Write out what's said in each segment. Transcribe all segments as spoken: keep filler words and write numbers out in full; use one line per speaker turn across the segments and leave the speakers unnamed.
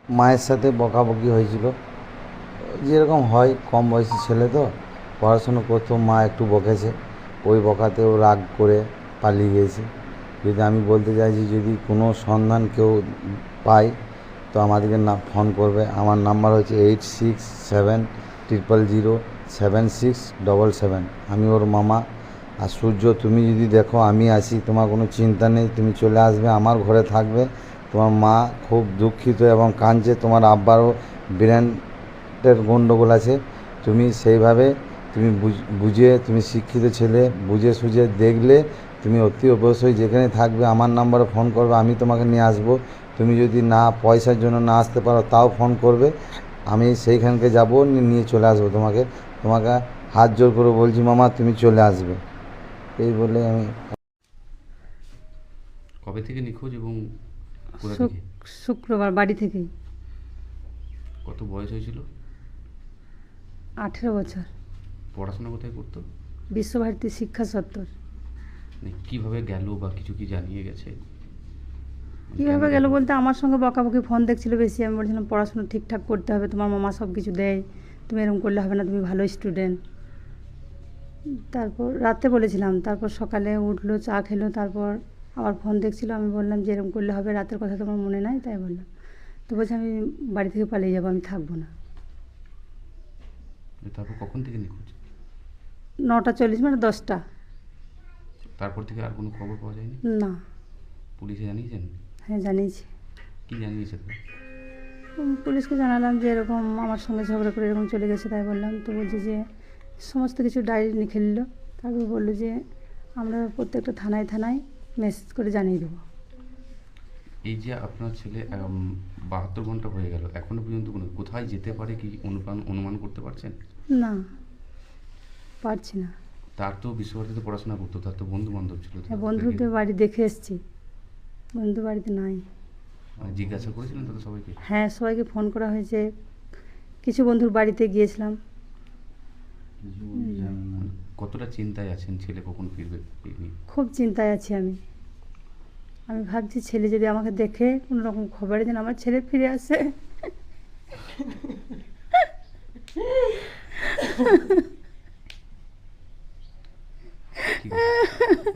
মায়ের সাথে বকাবকি হয়েছিল, যেরকম হয়, কম বয়সী ছেলে তো পড়াশুনো করতো, মা একটু বকেছে, ওই বকাতেও রাগ করে পালিয়ে গিয়েছে। যদি আমি বলতে চাইছি, যদি কোনো সন্ধান কেউ পায় তো আমাদেরকে না ফোন করবে। আমার নাম্বার হচ্ছে eight six seven triple zero seven six double seven. আমি ওর মামা। আর সূর্য, তুমি যদি দেখো আমি আছি, তোমার কোনো চিন্তা নেই, তুমি চলে আসবে, আমার ঘরে থাকবে। তোমার মা খুব দুঃখিত এবং কাঁদছে, তোমার আব্বারও ব্রেনের গণ্ডগোল আছে। তুমি সেইভাবে তুমি বুঝে, তুমি শিক্ষিত ছেলে, বুঝে সুঝে দেখলে তুমি অতি অবশ্যই যেখানে থাকবে আমার নাম্বারে ফোন করবে, আমি তোমাকে নিয়ে আসবো। তুমি যদি না পয়সার জন্য না আসতে পারো তাও ফোন করবে, আমি সেইখানকে যাব, নিয়ে চলে আসবো তোমাকে। তোমাকে হাত জোর করে বলছি মামা, তুমি চলে আসবে। এই বলে আমি।
কবে থেকে নিখোঁজ এবং কোথা থেকে?
শুক- শুক্রবার বাড়ি থেকেই।
কত বয়স হয়েছিল?
আঠেরো বছর।
পড়াশোনা কোথায় করতো?
বিশ্বভারতী শিক্ষা চত্বর।
মানে কীভাবে গেল বা কিছু কি জানিয়ে গেছে? মানে কেন
কীভাবে গেল বলতে, আমার সঙ্গে বকাবকি ফোন দেখছিল বেশি। আমি বলছিলাম পড়াশোনা ঠিকঠাক করতে হবে, তোমার মামা সব কিছু দেয়, তুমি এরকম করলে হবে না, তুমি ভালো স্টুডেন্ট। তারপর রাতে বলেছিলাম, তারপর সকালে উঠলো, চা খেলো, তারপর আবার ফোন দেখছিল। আমি বললাম যে এরকম করলে হবে, রাতের কথা তোমার মনে নাই, তাই বললাম। তো বলছে আমি বাড়ি থেকে পালিয়ে যাবো, আমি থাকবো না।
তারপর কখন থেকে নিখোঁজ?
নটা চল্লিশ মানে দশটা।
তারপর থেকে আর কোনো খবর পাওয়া যায়নি?
না।
পুলিশে জানিয়েছেন?
হ্যাঁ, জানিয়েছি।
কি জানিয়েছে তারা?
উম, পুলিশকে জানালাম যে এরকম আমার সঙ্গে ঝগড়া করে এরকম চলে গেছে, তাই বললাম। তো বলছে যে সমস্ত কিছু ডায়েরি লিখে নিল। তারপর বললো যে আমরা প্রত্যেকটা থানায় থানায় মেসেজ করে জানিয়ে দেবো।
এই যে আপনার ছেলে বাহাত্তর ঘন্টা হয়ে গেল, এখনো পর্যন্ত কোনো কোথায় যেতে পারে কি অনুমান অনুমান করতে পারছেন?
না, পারছি না।
তার তো বিশ্বভারতীতে পড়াশোনা করতো, তার তো বন্ধু বান্ধব ছিল।
হ্যাঁ, বন্ধুদের বাড়ি দেখে এসেছি, বন্ধু বাড়িতে নাই।
মানে জিজ্ঞাসা করেছিলেন তাদের সবাইকে?
হ্যাঁ, সবাইকে ফোন করা হয়েছে, কিছু বন্ধুর বাড়িতে গিয়েছিলাম।
মানে কতটা চিন্তায় আছেন ছেলে কখন ফিরবে এই নিয়ে?
খুব চিন্তায় আছি আমি। আমি ভাবছি ছেলে যদি আমাকে দেখে কোনো রকম খবরে যেন আমার ছেলে ফিরে আসে।
ঠিক আছে।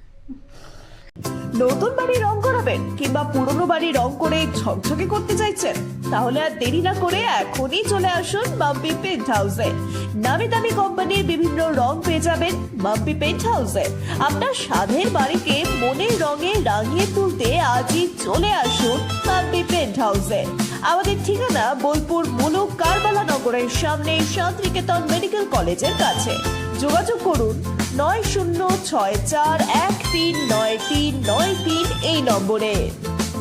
নতুন বাড়ি রং করাবেন কিংবা পুরনো বাড়ি রং করে ঝকঝকে করতে চাইছেন? তাহলে আর দেরি না করে এখনই চলে আসুন মাম্পি পেন্ট হাউসে। নামি দামি কোম্পানির বিভিন্ন রং পেয়ে যাবেন মাম্পি পেন্ট হাউসে। আপনার স্বাদের বাড়িকে মনের রঙে রাঙিয়ে তুলতে আজই চলে আসুন মাম্পি পেন্ট হাউসে। আমাদের ঠিকানা বোলপুর মুলুক কারবালা নগরের সামনে শান্তিনিকেতন মেডিকেল কলেজের কাছে। যোগাযোগ করুন নয় শূন্য ছয় চার এক তিন নয় তিন নয় তিন এই নম্বরে।